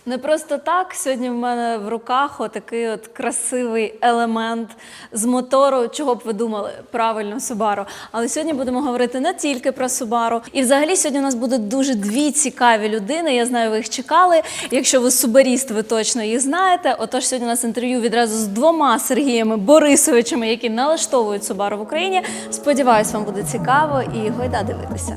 Не просто так. Сьогодні в мене в руках отакий от красивий елемент з мотору. Чого б ви думали? Правильно, Subaru. Але сьогодні будемо говорити не тільки про Subaru. І взагалі сьогодні у нас будуть дуже дві цікаві людини. Я знаю, ви їх чекали. Якщо ви субаріст, ви точно їх знаєте. Отож, сьогодні у нас інтерв'ю відразу з двома Сергіями Борисовичами, які налаштовують Subaru в Україні. Сподіваюсь, вам буде цікаво і гойда дивитися.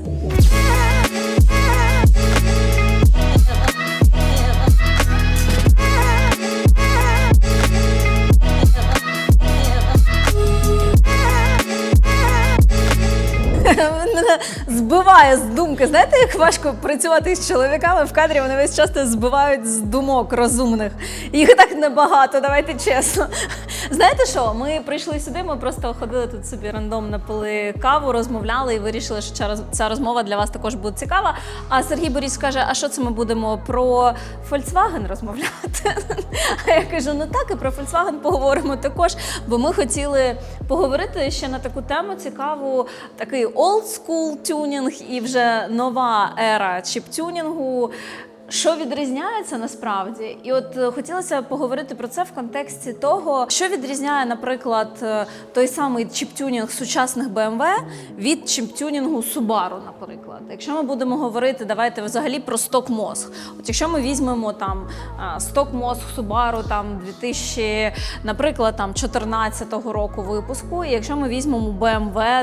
Мене збиває з думки. Знаєте, як важко працювати з чоловіками в кадрі, вони весь часто збивають з думок розумних. Їх так небагато, давайте чесно. Знаєте що, ми прийшли сюди, ми просто ходили тут собі рандомно, пили каву, розмовляли і вирішили, що ця розмова для вас також буде цікава. А Сергій Борис каже, а що це ми будемо про Volkswagen розмовляти? А я кажу, ну так, і про Volkswagen поговоримо також, бо ми хотіли поговорити ще на таку тему цікаву, такий old school тюнінг і вже нова ера чіп-тюнінгу. Що відрізняється насправді? І от хотілося поговорити про це в контексті того, що відрізняє, наприклад, той самий чіп-тюнінг сучасних BMW від чіп-тюнінгу Subaru, наприклад. Якщо ми будемо говорити, давайте взагалі про сток-мозг. От якщо ми візьмемо там сток-мозг Subaru там 2000, наприклад, там 14-го року випуску, і якщо ми візьмемо BMW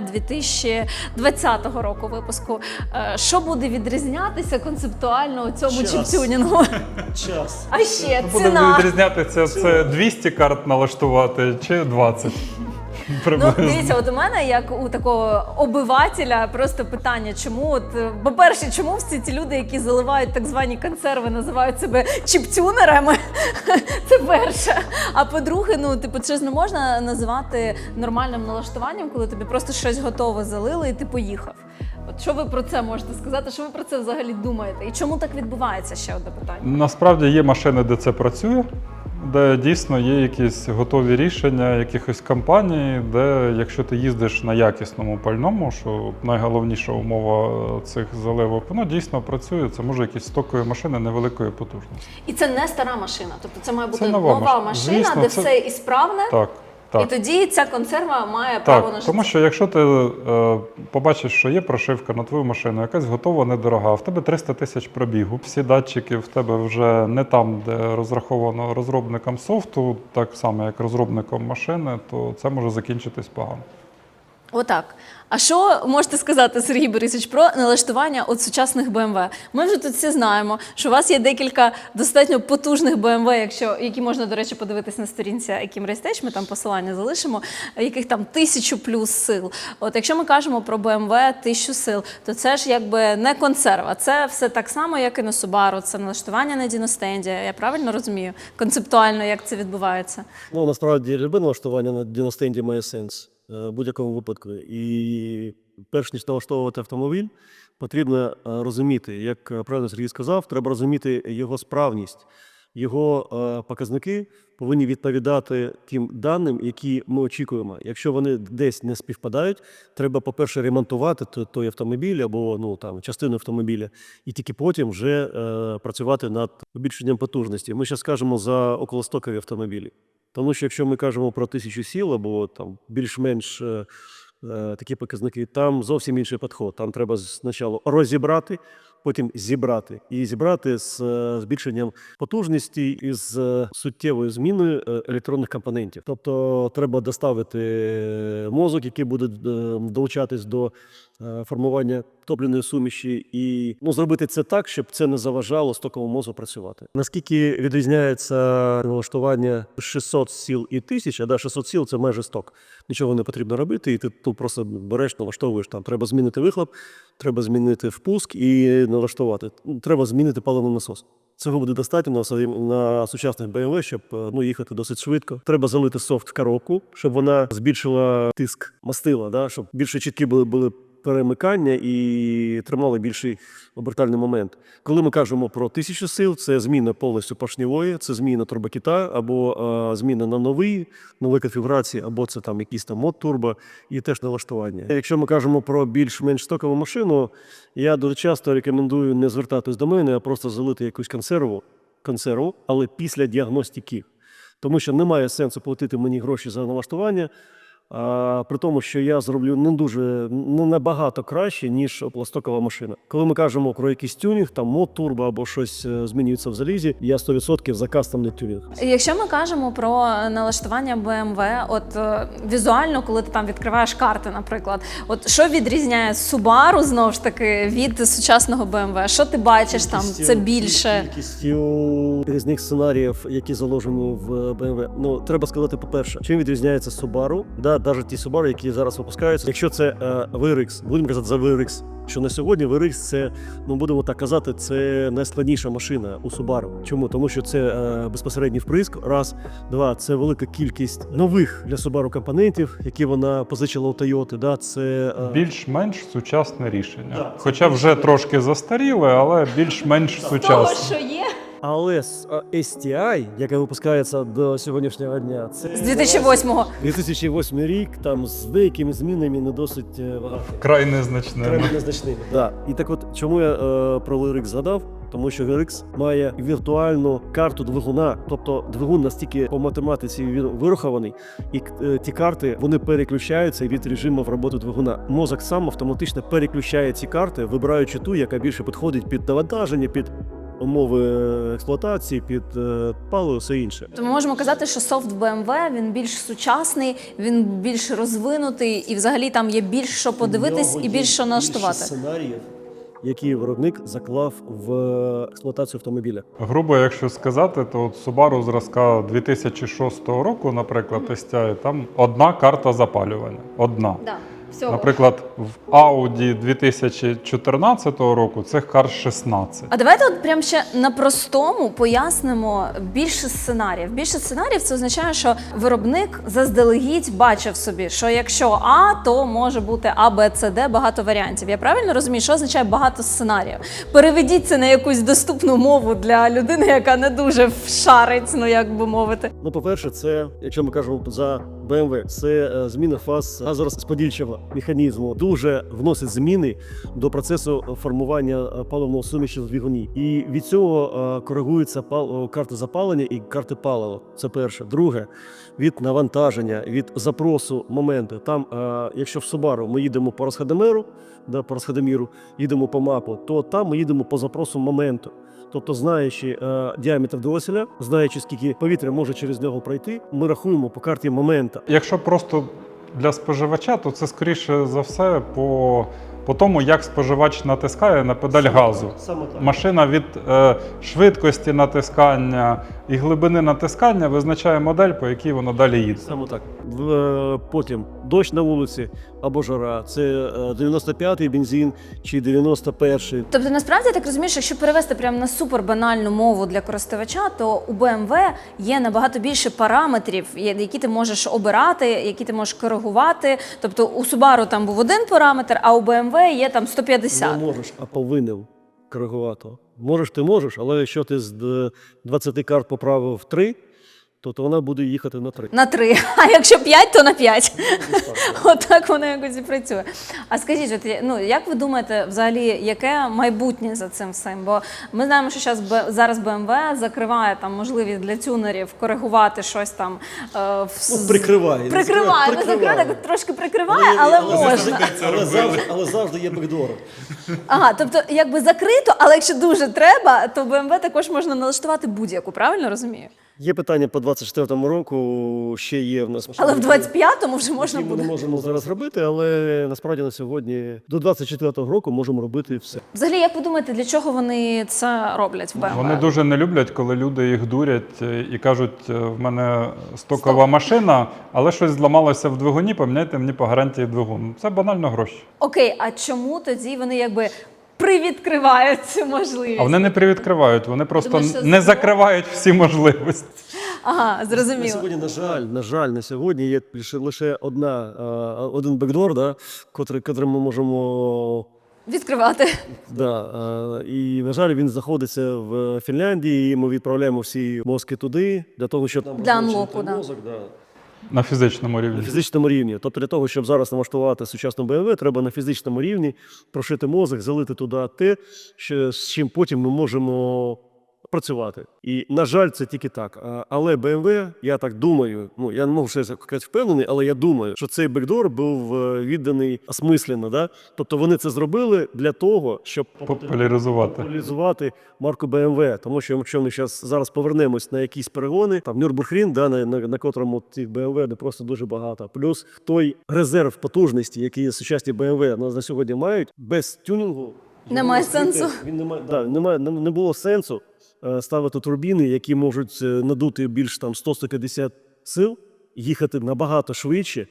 2020 року випуску, що буде відрізнятися концептуально у цьому чіп-тюнінгу? Час. А ще Буде ціна. відрізнятися, це 200 карт налаштувати чи 20? Ну, Приблизно. дивіться, от у мене, як у такого обивателя, просто питання, чому, от, по-перше, чому всі ці люди, які заливають так звані консерви, називають себе чіп-тюнерами? Це перше. А по-друге, ну, типу, це ж не можна називати нормальним налаштуванням, коли тобі просто щось готове залили і ти поїхав. От що ви про це можете сказати? Що ви про це взагалі думаєте? І чому так відбувається, ще одне питання? Насправді є машини, де це працює, де дійсно є якісь готові рішення якихось компаній, де якщо ти їздиш на якісному пальному, що найголовніша умова цих заливок, воно дійсно працює. Це може якісь стокові машини невеликої потужності. І це не стара машина, тобто це має бути Це нова нова машина, Звісно, де це... все ісправне. Так. І Так. тоді ця консерва має право на Так, життя. тому що якщо ти побачиш, що є прошивка на твою машину, якась готова, недорога, в тебе 300 тисяч пробігу, всі датчики в тебе вже не там, де розраховано розробником софту, так само, як розробником машини, то це може закінчитись погано. Отак. А що можете сказати, Сергій Борисович, про налаштування от сучасних BMW? Ми вже тут всі знаємо, що у вас є декілька достатньо потужних BMW, які можна, до речі, подивитись на сторінці Akim Race, ми там посилання залишимо, яких там 1000 плюс сил. От якщо ми кажемо про BMW 1000 сил, то це ж якби не консерва. Це все так само, як і на Subaru, це налаштування на діностенді. Я правильно розумію концептуально, як це відбувається? Ну, насправді, любе налаштування на діностенді має сенс в будь-якому випадку. І перш ніж налаштовувати автомобіль, потрібно розуміти, як правильно Сергій сказав, треба розуміти його справність. Його показники повинні відповідати тим даним, які ми очікуємо. Якщо вони десь не співпадають, треба, по-перше, ремонтувати той автомобіль або ну, там, частину автомобіля, і тільки потім вже працювати над збільшенням потужності. Ми зараз кажемо за околостокові автомобілі. Тому що якщо ми кажемо про 1000 сіл або там більш-менш такі показники, там зовсім інший підход. Там треба спочатку розібрати, потім зібрати. І зібрати з збільшенням потужності і з суттєвою зміною електронних компонентів. Тобто треба доставити мозок, який буде долучатись до формування топливної суміші, і зробити це так, щоб це не заважало стоковому мозку працювати. Наскільки відрізняється налаштування 600 сіл і 1000, да, 600 сіл – це майже сток. Нічого не потрібно робити, і ти тут просто береш, налаштовуєш. Там треба змінити вихлоп, треба змінити впуск і налаштувати. Треба змінити паливний насос. Цього буде достатньо на сучасних BMW, щоб їхати досить швидко. Треба залити софт в коробку, щоб вона збільшила тиск мастила, да, щоб більше чіткі були перемикання і тримали більший обертальний момент. Коли ми кажемо про 1000 сил, це зміна повністю поршневої, це зміна турбокита або зміна на нові конфігурації, або це там якийсь там мод турбо і теж налаштування. Якщо ми кажемо про більш-менш стокову машину, я дуже часто рекомендую не звертатись до мене, а просто залити якусь консерву консерву, але після діагностики. Тому що немає сенсу платити мені гроші за налаштування, при тому, що я зроблю не набагато краще, ніж пластикова машина. Коли ми кажемо про якийсь тюнінг, там мод турбо або щось змінюється в залізі, я 100% за кастомний тюнінг. Якщо ми кажемо про налаштування BMW, от візуально, коли ти там відкриваєш карти, наприклад, от що відрізняє Subaru, знову ж таки, від сучасного BMW? Що ти бачиш там? Це більше? Кількістю різних сценаріїв, які заложені в BMW. Ну, треба сказати, по-перше, чим відрізняється Subaru, навіть ті Subaru, які зараз випускаються. Якщо це VRX, будемо казати за VRX, що на сьогодні VRX це, ну будемо так казати, це найскладніша машина у Subaru. Чому? Тому що це безпосередній вприск, раз. Два, це велика кількість нових для Subaru компонентів, які вона позичила у Toyota. Да, це Більш-менш сучасне рішення. Да, Хоча вже трошки застаріле, але більш-менш Того, сучасне. що є? але STI, яка випускається до сьогоднішнього дня, це З 2008-го. 2008 рік, там з деякими змінами не досить багато. Край незначне. Треба незначними. Да. І так от, чому я про VRX згадав? Тому що VRX має віртуальну карту двигуна, тобто двигун настільки по математиці він вирахований, і ті карти вони переключаються від режимів роботи двигуна. Мозок сам автоматично переключає ці карти, вибираючи ту, яка більше підходить під навантаження, під умови експлуатації, під паливо, все інше. То ми можемо казати, що софт BMW, він більш сучасний, він більш розвинутий, і взагалі там є більш що подивитись і більш що налаштувати. Більше сценаріїв, які виробник заклав в експлуатацію автомобіля. Грубо, якщо сказати, то от Subaru зразка 2006 року, наприклад, STI, там одна карта запалювання. Одна. Да. Всього. Наприклад, в Audi 2014 року цих карт 16. А давайте от прям ще на простому пояснимо більше сценаріїв. Більше сценаріїв це означає, що виробник заздалегідь бачив собі, що якщо А, то може бути А, Б, С, Д, багато варіантів. Я правильно розумію, що означає багато сценаріїв? Переведіть це на якусь доступну мову для людини, яка не дуже вшарить, ну як би мовити. Ну, по-перше, це, якщо ми кажемо за BMW, це зміна фаз газорозподільчого механізму. Дуже вносить зміни до процесу формування паливного суміші в двигуні. І від цього коригуються карти запалення і карти палива. Це перше. Друге, від навантаження, від запросу моменти. Там, якщо в Subaru ми їдемо по розходомеру, по розходоміру, їдемо по мапу, то там ми їдемо по запросу моменту. Тобто, знаючи діаметр дроселя, знаючи, скільки повітря може через нього пройти, ми рахуємо по карті момента. Якщо просто для споживача, то це скоріше за все по тому, як споживач натискає на педаль газу. Саме так. Машина від швидкості натискання і глибини натискання визначає модель, по якій вона далі їде. Саме так. Потім дощ на вулиці або жара. Це 95-й бензин чи 91-й. Тобто, насправді, я так розумію, що якщо перевести прямо на супербанальну мову для користувача, то у BMW є набагато більше параметрів, які ти можеш обирати, які ти можеш коригувати. Тобто у Subaru там був один параметр, а у BMW є там 150. Не можеш, а повинен коригувати. Можеш, ти можеш, але якщо ти з 20 карт поправив 3, то вона буде їхати на 3. На 3. А якщо 5, то на 5. Отак воно якось і працює. А скажіть, от, ну, як ви думаєте, взагалі, яке майбутнє за цим всім? Бо ми знаємо, що зараз BMW закриває там можливість для тюнерів коригувати щось там. Прикриває. Прикриває. Ну, закриває, трошки прикриває, але можна. Але завжди є бекдором. Ага, тобто якби закрито, але якщо дуже треба, то BMW також можна налаштувати будь-яку, правильно розумію? Є питання по 24-му року, ще є в нас. Але в 25-му вже можна Які ми не буде. можемо зараз робити, але насправді на сьогодні до 24-го року можемо робити все. Взагалі, як ви думаєте, для чого вони це роблять в BMW? Вони дуже не люблять, коли люди їх дурять і кажуть, в мене стокова машина, але щось зламалося в двигуні, поміняйте мені по гарантії двигун. Це банально гроші. Окей, а чому тоді вони якби привідкривають цю можливість? А вони не привідкривають, вони просто Думаєш, що не закривають всі можливості. Ага, На зрозуміло. сьогодні, на жаль, на сьогодні є лише один бекдор, да, котрий ми можемо. Відкривати. Да, і, на жаль, він знаходиться в Фінляндії, і ми відправляємо всі мозки туди, для того, щоб Для анлоку, да. мозок, да. На фізичному На рівні. фізичному рівні. Тобто для того, щоб зараз налаштувати сучасну BMW, треба на фізичному рівні прошити мозок, залити туди те, з чим потім ми можемо працювати. І, на жаль, це тільки так. Але BMW, я так думаю, ну, я не можу ще сказати впевнений, але я думаю, що цей бекдор був відданий осмислено. Да? Тобто вони це зробили для того, щоб популяризувати марку BMW. Тому що якщо ми зараз повернемось на якісь перегони, там Нюрбургрінг, да, на котрому цих BMW не просто дуже багато. Плюс той резерв потужності, який сучасні BMW на сьогодні мають, без тюнінгу Немає сенсу. Не було сенсу ставити турбіни, які можуть надути більш там 100-150 сил, їхати набагато швидше,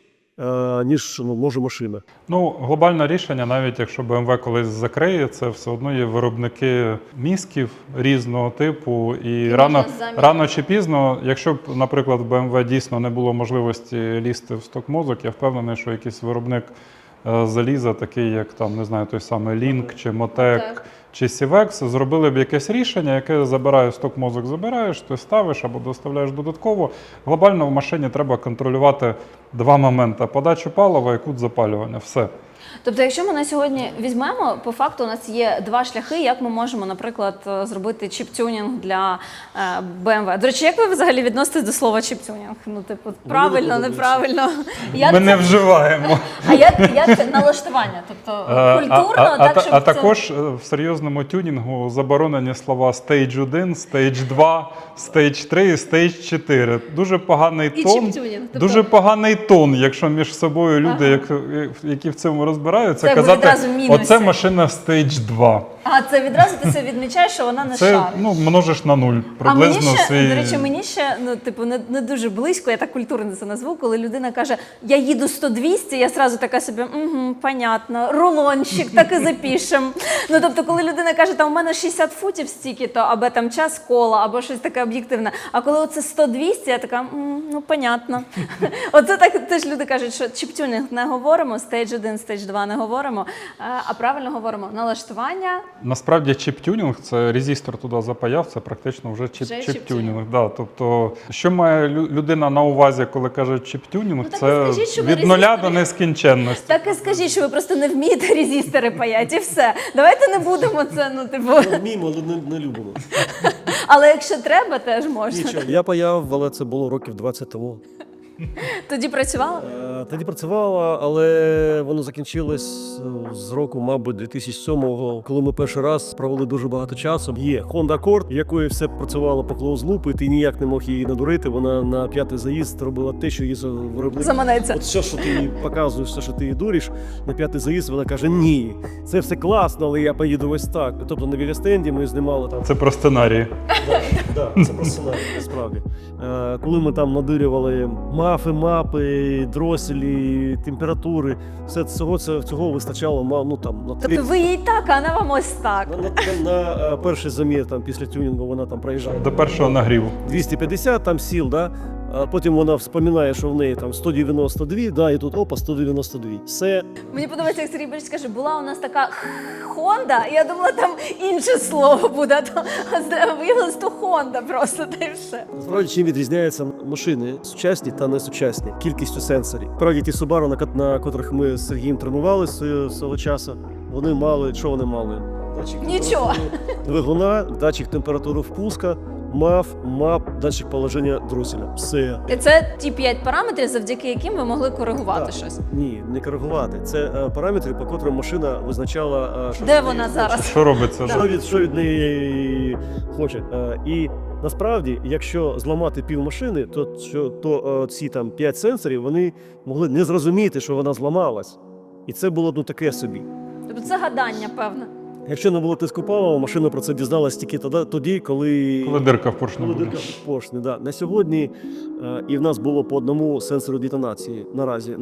ніж може машина. Ну, глобальне рішення, навіть якщо BMW колись закриє, це все одно є виробники мізків різного типу. І рано чи пізно, якщо б, наприклад, в BMW дійсно не було можливості лізти в сток-мозок, я впевнений, що якийсь виробник заліза, такий як там, не знаю, той самий Link чи Motec чи Sivex, зробили б якесь рішення, яке забирає сток-мозок, забираєш, ти ставиш або доставляєш додатково. Глобально в машині треба контролювати два моменти: подачу палива і кут запалювання. Все. Тобто, якщо ми на сьогодні візьмемо, по факту у нас є два шляхи, як ми можемо, наприклад, зробити чіп-тюнінг для BMW. До речі, як ви взагалі відноситесь до слова чіп-тюнінг? Ну, типу, правильно, неправильно? Ми не вживаємо. А як це налаштування? Тобто, культурно, так, щоб А також в серйозному тюнінгу заборонені слова Stage 1, Stage 2, Stage 3 і Stage 4. Дуже поганий І тон. чіп-тюнінг. Тобто... Дуже поганий тон, якщо між собою люди, які в цьому розбираються, це казати, оце машина Stage 2. А це відразу ти себе відмічаєш, що вона не шарить. Це, множиш на 0. Приблизно а мені ще, свій... до речі, мені ще, не дуже близько, я так культурно це назву, коли людина каже, я їду 100-200, я сразу така собі, понятно, рулончик, так і запишем. Ну, тобто, коли людина каже, там у мене 60 футів стільки-то, або там час кола, або щось таке об'єктивне. А коли оце 100-200, я така, понятно. Оце так теж люди кажуть, що чіп-тюнінг не говоримо, Stage 1, Stage 2 не говоримо, а правильно говоримо налаштування. Насправді чіп-тюнінг, це резистор туди запаяв, це практично вже чіп-тюнінг. Да, тобто, що має людина на увазі, коли каже чіп-тюнінг, це від нуля до нескінченності. Так і скажіть, що ви просто не вмієте резистори паяти, і все. Давайте не будемо це, Ми вміємо, але не любимо. Але якщо треба, теж можна. Нічого, я паяв, але це було років 20 тому. Тоді працювала? Тоді працювала, але воно закінчилось з року, мабуть, 2007-го, коли ми перший раз провели дуже багато часу. Є Honda Accord, якої все працювало по клоуз-лупу, і ти ніяк не мог її надурити. Вона на п'ятий заїзд робила те, що її виробник. Заманеться. От все, що ти їй показуєш, все, що ти її дуриш, на п'ятий заїзд вона каже, ні, це все класно, але я поїду ось так. Тобто на Вілістенді ми знімали там. Це про сценарії. Так, це про сценарій, насправді. Коли ми там надурювали мапи, дроселі, температури, все цього вистачало, на 3. Тобто ви їй так, а вона вам ось так. На перший замір там, після тюнінгу вона там проїжджає. До першого нагріву. 250 там сіл, да? А потім вона вспоминає, що в неї там 192, да, і тут опа, 192. Все. Мені подобається, як Сергій Борисович каже, була у нас така Honda, і я думала, там інше слово буде, а виявилось, то Honda просто, та й все. Насправді, чим відрізняються машини сучасні та несучасні? Кількістю сенсорів. Справді, ті Subaru, на котрих ми з Сергієм тренувалися свого часу, вони мали, що вони мали? Нічого. Двигуна, датчик температури впуска, МАП, датчик положення дроселя. Все. І це ті 5 параметрів, завдяки яким ви могли коригувати щось. Ні, не коригувати. Це параметри, по котрим машина визначала, що де вона зараз. Що робиться? Що від неї хоче. І насправді, якщо зламати пів машини, то ці там 5 сенсорів, вони могли не зрозуміти, що вона зламалась. І це було таке собі. Тобто це гадання, певне. Якщо не було тиску палива, машина про це дізналась тільки тоді, коли дирка в поршні буде. Дирка в поршні, да. На сьогодні і в нас було по одному сенсору детонації наразі.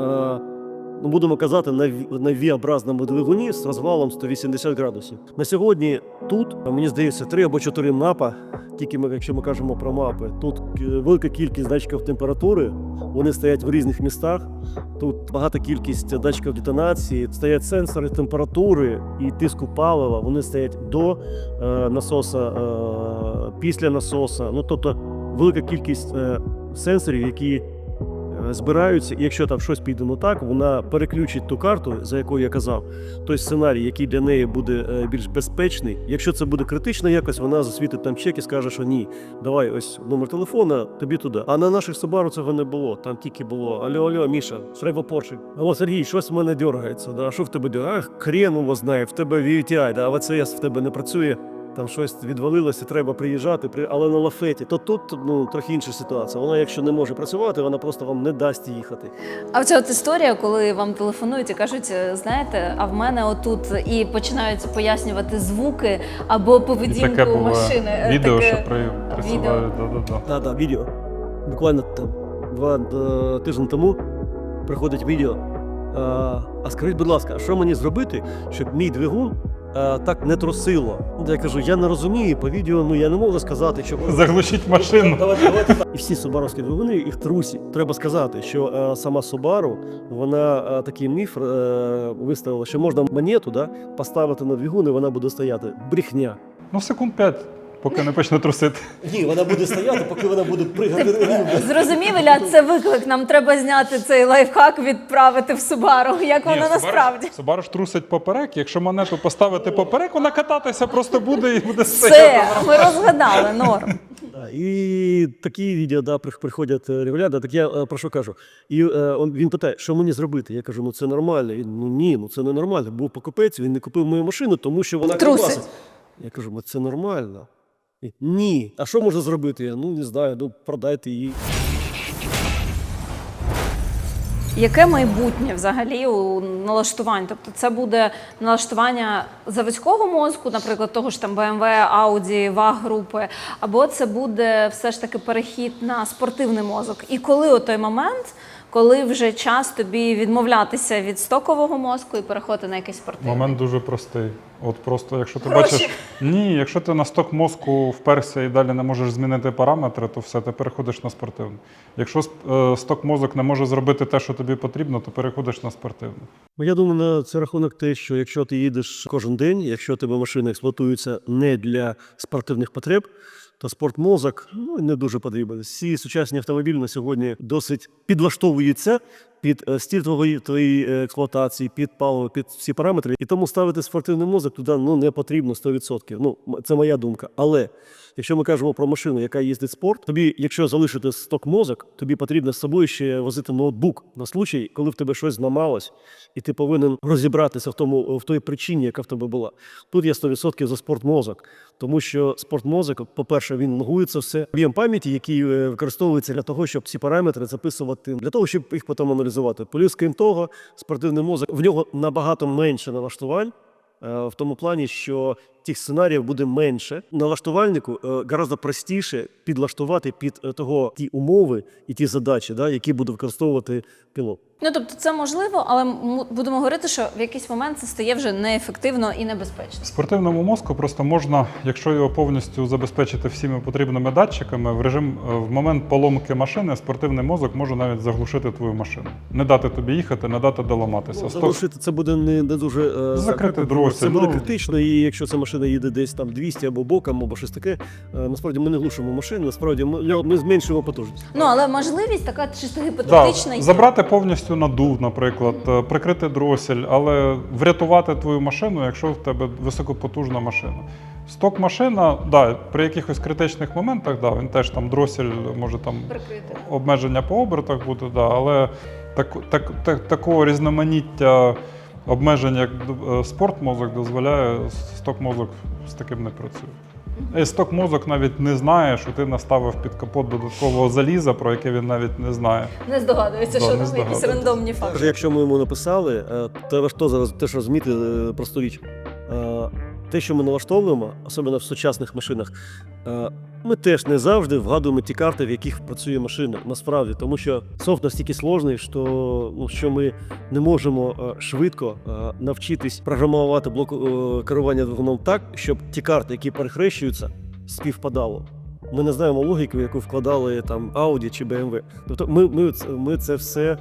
Будемо казати, на V-образному двигуні з розвалом 180 градусів. На сьогодні тут, мені здається, 3 або 4 мапа, тільки якщо ми кажемо про мапи. Тут велика кількість датчиків температури, вони стоять в різних містах. Тут багата кількість датчиків детонації, стоять сенсори температури і тиску палива, вони стоять до насоса, після насоса. Тобто велика кількість сенсорів, які збираються, і якщо там щось піде не так, вона переключить ту карту, за якою я казав, той сценарій, який для неї буде більш безпечний. Якщо це буде критично якось, вона засвітить там чек і скаже, що ні, давай ось номер телефона, тобі туди. А на наших Subaru цього не було, там тільки було алло, Міша, треба Порше. Алло, Сергій, щось в мене дергається, да? Що в тебе дергається? Ах, хрен його знає, в тебе VTI, да? АВЦС в тебе не працює. Там щось відвалилося, треба приїжджати, але на лафеті. То тут трохи інша ситуація. Вона, якщо не може працювати, вона просто вам не дасть їхати. А оця от історія, коли вам телефонують і кажуть, знаєте, а в мене отут і починають пояснювати звуки або І таке поведінку буває. машини. Відео, Таке що присилають. Да-да-да. Так, відео. Буквально там 2 тижні тому приходить відео. А скажіть, будь ласка, а що мені зробити, щоб мій двигун так не трусило? Я кажу, я не розумію, по відео я не можу сказати, що... Заглушіть машину. Давайте. І всі субаровські двигуни, їх трусять. Треба сказати, що сама Subaru, вона такий міф виставила, що можна монету поставити на двигун, і вона буде стояти. Брехня. Ну, секунд 5, поки не почне трусити. Ні, вона буде стояти, поки вона буде пригати. Зрозумів, Ілля, це виклик. Нам треба зняти цей лайфхак, відправити в Subaru, як воно насправді. Subaru ж трусить поперек, якщо монету поставити поперек, вона кататися просто буде і буде стояти. Все, ми розгадали, норм. І такі відео приходять регулярно, так я про що кажу. І він питає, що мені зробити? Я кажу, це нормально. Він, ні, це не нормально. Був покупець, він не купив мою машину, тому що вона Трусить. Я кажу, це нормально. І, ні. А що можна зробити? Я, не знаю, продайте її. Яке майбутнє взагалі у налаштувань? Тобто це буде налаштування заводського мозку, наприклад, того ж там BMW, Audi, VAG-групи, або це буде все ж таки перехід на спортивний мозок? І коли о той момент, коли вже час тобі відмовлятися від стокового мозку і переходити на якийсь спортивний? Момент дуже простий. От просто, якщо ти Гроші. бачиш, якщо ти на сток мозку вперся і далі не можеш змінити параметри, то все, ти переходиш на спортивний. Якщо сток мозок не може зробити те, що тобі потрібно, то переходиш на спортивний. Я думаю, на це рахунок те, що якщо ти їдеш кожен день, якщо у тебе машина експлуатується не для спортивних потреб, то спортмозок не дуже потрібен. Всі сучасні автомобілі на сьогодні досить підлаштовуються під стиль твоєї експлуатації, під паливо, під всі параметри. І тому ставити спортивний мозок туди не потрібно 100%. Це моя думка. Але якщо ми кажемо про машину, яка їздить в спорт, тобі, якщо залишити сток мозок, тобі потрібно з собою ще возити ноутбук на случай, коли в тебе щось зламалось, і ти повинен розібратися в той причині, яка в тебе була. Тут я 100% за спортмозок, тому що спортмозок, по-перше, він логується все. Об'єм пам'яті, який використовується для того, щоб ці параметри записувати, для того, щоб їх потім аналізувати. Плюс, крім того, спортивний мозок, в нього набагато менше налаштувань, в тому плані, що тих сценаріїв буде менше. Налаштувальнику гораздо простіше підлаштувати під ті умови і ті задачі, які буде використовувати пілот. Тобто це можливо, але будемо говорити, що в якийсь момент це стає вже неефективно і небезпечно. Спортивному мозку просто можна, якщо його повністю забезпечити всіми потрібними датчиками, в момент поломки машини спортивний мозок може навіть заглушити твою машину. Не дати тобі їхати, не дати доламатися. Заглушити це буде не дуже закрити дросіль. Це буде критично, і якщо ця машина їде десь там 200 або боком, або щось таке, насправді ми не глушимо машину, насправді ми зменшуємо потужність. Але можливість така чисто гіпотетична є. Забрати повністю надув, наприклад, прикрити дросель, але врятувати твою машину, якщо в тебе високопотужна машина. Сток машина, при якихось критичних моментах, він теж там дросель, може там Прикрити. обмеження по обертах бути, але такого різноманіття обмежень, як спортмозок, дозволяє, сток-мозок з таким не працює. І сток-мозок навіть не знає, що ти наставив під капот додаткового заліза, про яке він навіть не знає. Не здогадується, що не там якісь здогадується. рандомні факти. Якщо ми йому написали, треба ж теж розуміти просту річ. Те, що ми налаштовуємо, особливо в сучасних машинах, ми теж не завжди вгадуємо ті карти, в яких працює машина, насправді. Тому що софт настільки складний, що ми не можемо швидко навчитись програмувати блок керування двигуном так, щоб ті карти, які перехрещуються, співпадало. Ми не знаємо логіку, яку вкладали там Audi чи BMW. Тобто ми це все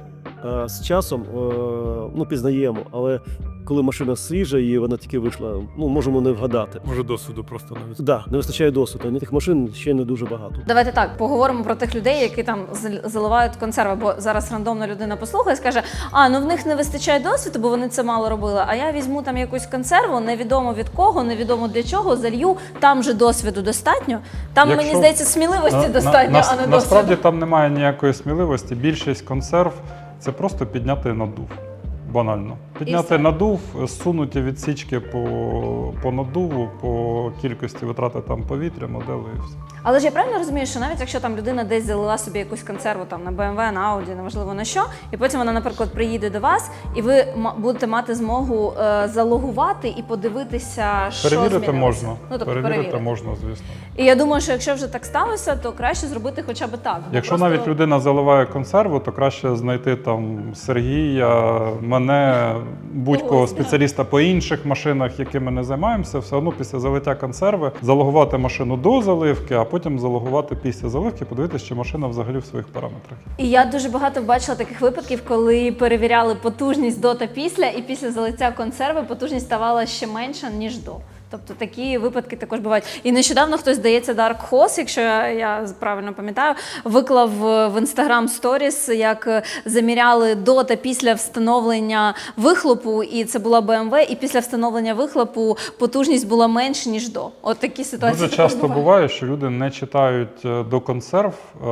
з часом пізнаємо, але коли машина свіжа і вона тільки вийшла, можемо не вгадати. Може, досвіду просто навіть. Да, не вистачає досвіду, а тих машин ще не дуже багато. Давайте так, поговоримо про тих людей, які там заливають консерви, бо зараз рандомна людина послухає і скаже, в них не вистачає досвіду, бо вони це мало робили, а я візьму там якусь консерву, невідомо від кого, невідомо для чого, залью, там же досвіду достатньо. Там, мені здається, сміливості достатньо, а не досвіду. Насправді там немає ніякої сміливості, більшість консерв – це просто підняти надув. Банально. Підняти надув, зсунуті відсічки по надуву, по кількості витрати там повітря, модели і все. Але ж я правильно розумію, що навіть якщо там людина десь залила собі якусь консерву там на BMW, на Audi, неважливо на що, і потім вона, наприклад, приїде до вас, і ви будете мати змогу залогувати і подивитися, що Перевірити змінилося. можна. Перевірити можна, звісно. І я думаю, що якщо вже так сталося, то краще зробити хоча б так. Якщо навіть людина заливає консерву, то краще знайти там Сергія, мене, будь-кого спеціаліста по інших машинах, якими не займаємося, все одно після залиття консерви залогувати машину до заливки, а потім залогувати після заливки, подивитися, чи машина взагалі в своїх параметрах. І я дуже багато бачила таких випадків, коли перевіряли потужність до та після, і після залиття консерви потужність ставала ще менша, ніж до. Тобто такі випадки також бувають. І нещодавно хтось, здається, Dark Horse, якщо я правильно пам'ятаю, виклав в Instagram Stories, як заміряли до та після встановлення вихлопу, і це була BMW, і після встановлення вихлопу потужність була менше, ніж до. От такі ситуації. Дуже часто буває, що люди не читають до консерв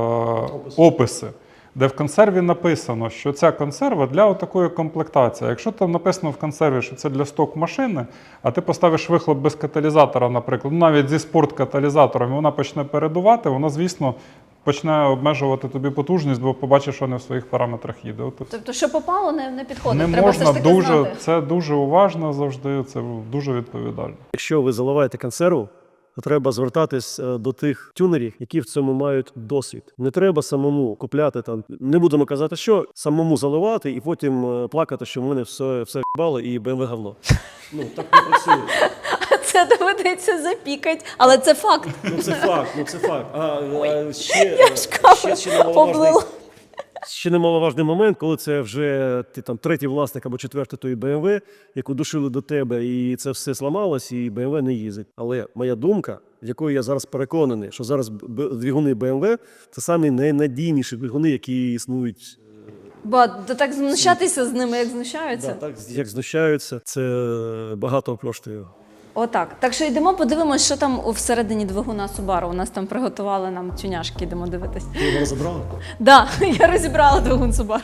описи, де в консерві написано, що ця консерва для такої комплектації. Якщо там написано в консерві, що це для сток машини, а ти поставиш вихлоп без каталізатора, наприклад, навіть зі спорткаталізатором, і вона почне передувати, вона, звісно, почне обмежувати тобі потужність, бо побачиш, що не в своїх параметрах їде. Тобто, що попало, не підходить. Не Треба можна все ж таки знати. це дуже уважно завжди, це дуже відповідально. Якщо ви заливаєте консерву, то треба звертатись до тих тюнерів, які в цьому мають досвід. Не треба самому купляти там. Не будемо казати, що самому заливати і потім плакати, що в мене все в'їбало і BMW говно. Так не працює. Це доведеться запікати, але це факт. Це факт. Ще немаловажний момент, коли це вже ти там третій власник або четвертий тої BMW, яку душили до тебе, і це все зламалось, і BMW не їздить. Але моя думка, якою я зараз переконаний, що зараз двигуни BMW – це самі найнадійніші двигуни, які існують. Бо так знущатися з ними, як знущаються. Так, як знущаються, це багато коштує. Отак. Так що йдемо, подивимось, що там всередині двигуна Subaru. У нас там приготували нам тюняшки, йдемо дивитись. Ти його розібрала? Так, я розібрала двигун Subaru.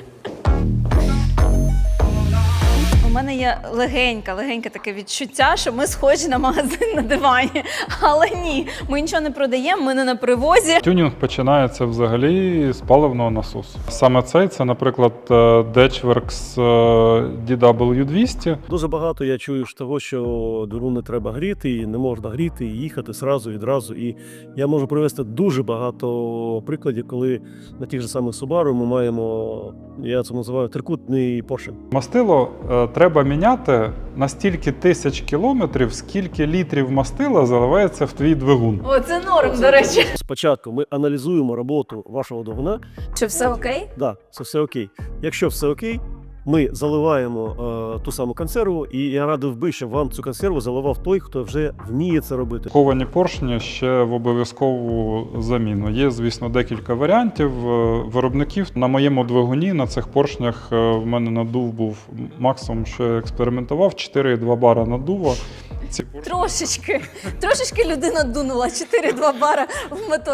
У мене є легеньке таке відчуття, що ми схожі на магазин на дивані. Але ні, ми нічого не продаємо, ми не на привозі. Тюнінг починається взагалі з паливного насосу. Саме це, наприклад, Datchworks DW200. Дуже багато я чую того, що двигун не треба гріти, і не можна гріти, і їхати відразу. І я можу привести дуже багато прикладів, коли на тих же самих Subaru ми маємо, я це називаю, трикутний поршень. Мастило треба міняти на стільки тисяч кілометрів, скільки літрів мастила заливається в твій двигун. О, це норм, до речі. Спочатку ми аналізуємо роботу вашого двигуна. Чи все окей? Так, це все окей. Якщо все окей, ми заливаємо ту саму консерву, і я радив би, щоб вам цю консерву заливав той, хто вже вміє це робити. Ховані поршні ще в обов'язкову заміну. Є, звісно, декілька варіантів виробників. На моєму двигуні, на цих поршнях в мене надув був максимум, що я експериментував, 4,2 бара надува. Трошечки людина дунула 4-2 бара в мотор.